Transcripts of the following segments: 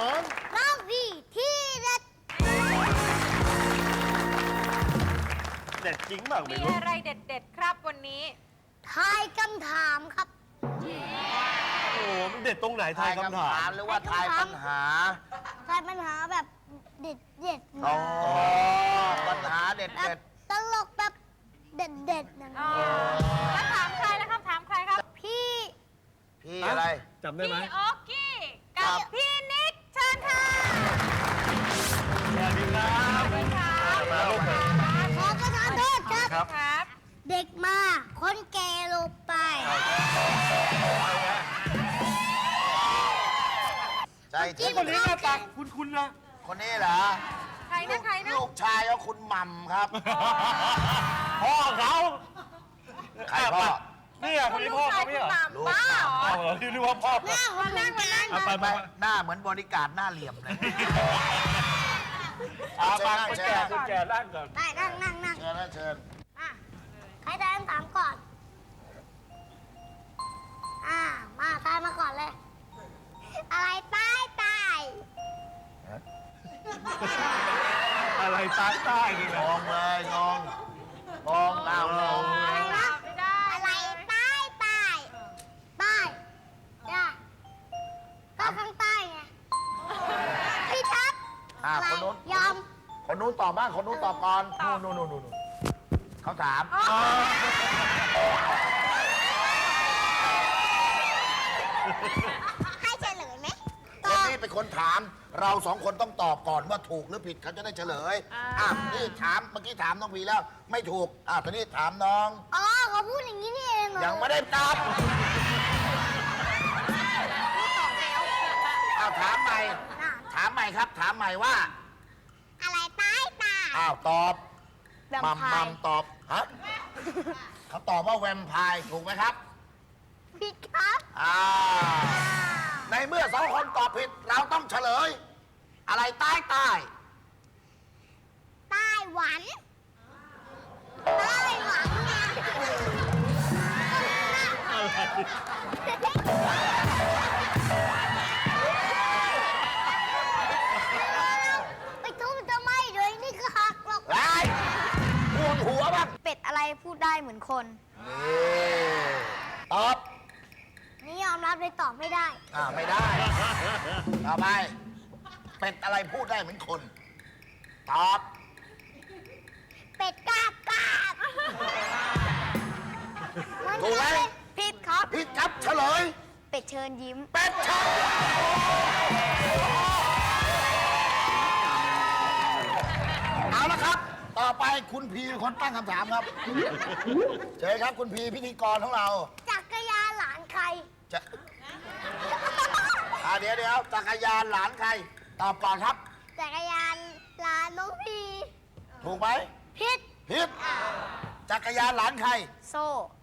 ผมน้องพี่ที่เด็ดเด็ดจริงมากไม่มีรู้อะไรเด็ดๆครับวันนี้ทายคำถามครับโอ้มันเด็ดตรงไหนทายคำถามหรือว่าทายปัญหาทายปัญหาแบบเด็ดเด็ดอ๋อ ปัญหาเด็ดแบบตลกแบบเด็ดเด็ดนะอ๋อ แล้วถามใครแล้วครับ ถามใครครับพี่ๆพี่อะไรจำได้ไหมพี่โอ๊กกี้กับพี่นิกเชิญค่ะสวัสดีครับสวัสดีครับมาลูกมาขอประทานโทษครับครับครับเด็กมา คนแก่ลงไปใช่ที่คนนี้หน้าตาคุ้นๆนะคนนี้เหรอใครนะใครนะลูกชายของคุณหม่ำครับพ่อเขาใครพ่อนี่อ่ะคนนี้พ่อเขาไม่เหรอลูกบ้าเหรอเอาเหรอที่เรียกว่าพ่อหน้าคนนั่งมานั่งเอาไปไปหน้าเหมือนบริการหน้าเหลี่ยมเลยเอาไปเชิญคนแก่ร่างก่อนได้นั่งนั่งนั่งเชิญนะเชิญอ่ะใครทายคำถามก่อน มาทายมาก่อนเลย อะไรตายตายอะไรตายใต้นี่งนะงเลยงงเอางงอะไรนะไม่ได้อะไรใต้ใต้ใต้จ้ะก็ข้างใต้ไงพี่ทับอะไรคนนู้นยอมคนนู้นตอบบ้างคนนู้นตอบก่อนนู่นเขาถามให้เฉลยไหมคนนี้เป็นคนถาม เราสองคนต้องตอบก่อนว่าถูกหรือผิดเขาจะได้เฉลยนี่ถามเมื่อกี้ถามน้องพีแล้ว ไม่ถูกตอนนี้ถามน้องอ๋อเขาพูดอย่างนี้นี่เองเหรอยังไม่ได้ตอบถามใหม่น่ะถามใหม่ครับ ถามใหม่ว่าอะไรใต้ใต้ตอบแวมมัมไพมัมร์ตอบฮะเขาตอบว่าแวมไพร์ถูกไหมครับผิดครับในเมื่อสองคนตอบผิด เราต้องเฉลย อะไรใต้ใต้ไต้หวันไต้หวันไงไปทุบทำไมเดี๋ยวนี่ก็หักหรอกไรปวดหัวบ้างเป็ดอะไรพูดได้เหมือนคนตอบนี่ยอมรับเลยตอบไม่ได้ไม่ได้ ต่อไป เป็ดอะไรพูดได้เหมือนคน ตอบเป็ดกาบกาบมันถูกไหมผิดครับพี่ครับเฉลยเป็ดเชิญยิ้มเป็ดชัดเอาละครับ ต่อไปคุณพีเป็นคนตั้งคำถามครับ เชิญครับคุณพีพิธีกรของเราจักรยานหลานใครจะเดี๋ยวจักรยานหลานใคร ตอบก่อนครับจักรยานหลานน้องพีถูกไหมผิดผิดจักรยานหลานใครโซ่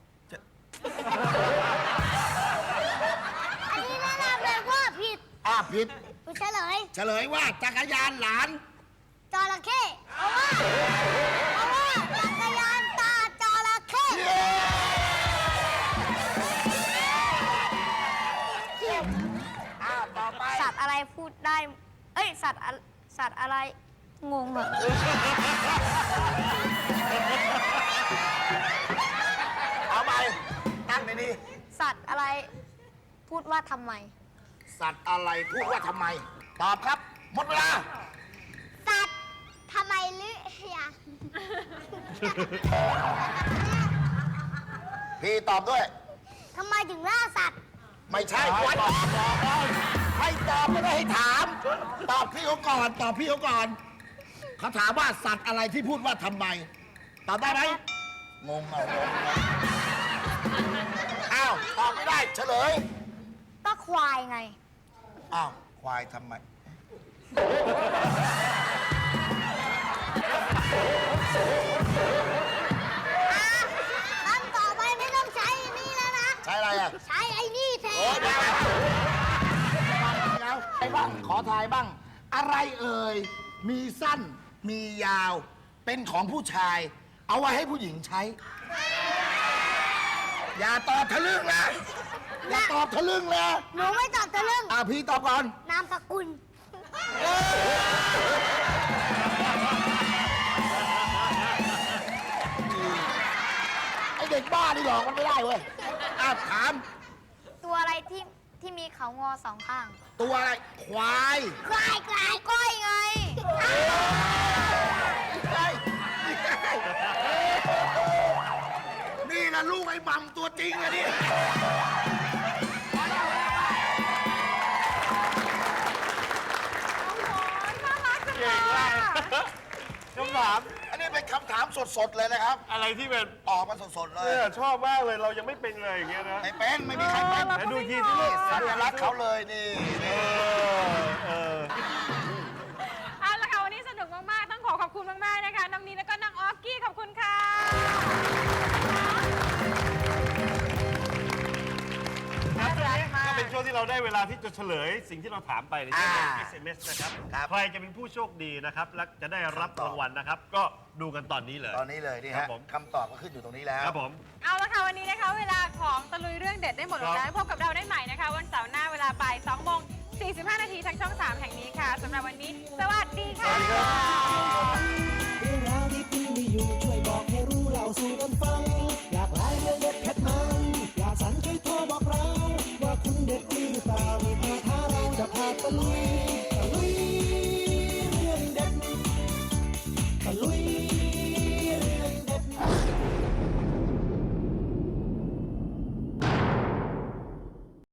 อันนี้แนะนำเลยว่าผิดผิดคุณเฉลยเฉลยว่าจักรยานหลานจระเข้เพราะว่าจักรยานตาจระเข้ต่อไปสัตว์อะไรพูดได้ เอ้ย สัตว์อะไร งงเหรอเอาไปตั้งในนี้สัตว์อะไรพูดว่าทำไมสัตว์อะไรพูดว่าทำไม ตอบครับ หมดเวลาสัตว์ทำไมหรือยังพี่ตอบด้วยทำไมถึงล่าสัตว์ไม่ใช่วัดให้ตอบไม่ได้ให้ถาม ตอบพี่เขาก่อน ตอบพี่เขาก่อน เขาถามว่าสัตว์อะไรที่พูดว่าทำไม ตอบได้ไหมงงอ้าวตอบไม่ได้ เฉลยก็ควายไงอ้าวควายทำไมคำต่อไปไม่ต้องใช้ไอ้นี่แล้วนะใช้อะไรอ่ะใช้ไอ้นี่แทโอ้นเดี๋ยวไอ้บ้าง ขอทายบ้าง อะไรเอ่ย มีสั้น มียาว เป็นของผู้ชาย เอาไว้ให้ผู้หญิงใช้ อย่าตอบทะลึ่งนะ อย่าตอบทะลึ่งนะหนูไม่ตอบทะลึ่งพี่ตอบก่อนนามสกุลไอเด็กบ้านี่หลอกมันไม่ได้เว้ยถามตัวอะไรที่มีเขางอสองข้างตัวอะไร ควายควายก้อยไงนี่นะลูกไอ้มัมตัวจริงอะนี่น่ารักจังเลเก่ยงมากอะคำถามอันนี้เป็นคำถามสดๆเลยนะครับอะไรที่เป็นออกมาสดๆเลยเนี่ยชอบมากเลยเรายังไม่เป็นเลยอย่างเงี้ยนะไม่เป็น ไม่มีใครเป็นไหนดูอีกทีสิลูกสัญลักษณ์เขาเลยนี่เอาละค่ะวันนี้สนุกมากๆ ต้องขอบคุณมากๆนะคะ น้องนีแล้วก็น้องออกกี้ขอบคุณค่ะครับช่วงนี้ก็เป็นช่วงที่เราได้เวลาที่จะเฉลยสิ่งที่เราถามไปในช่วง SMS นะครับ ใครจะเป็นผู้โชคดีนะครับ และจะได้รับรางวัลนะครับ ก็ดูกันตอนนี้เลยตอนนี้เลยนี่ครัฮะบผมคำตอบก็ขึ้นอยู่ตรงนี้แล้วครับผมเอาละค่ะวันนี้นะคะ เวลาของตะลุยเรื่องเด็ดได้หมดลงแล้วพบกับเราได้ใหม่นะคะ วันเสาร์หน้าเวลาบ่าย2โมง45 นาทีทางช่อง 3 แห่งนี้ค่ะสำหรับวันนี้ สวัสดีค่ะเรื่องราวที่คุณมีอยู่ช่วยบอกให้รู้เล่าสู่กันฟัง อยากไลฟ์เรื่องเด็ดเผ็ดมันอยากสั่นช่วยโทรบอกเรา ว่าคุณเด็ดจริงหรือเปล่ามีพาท้าเราจะพาตะลุย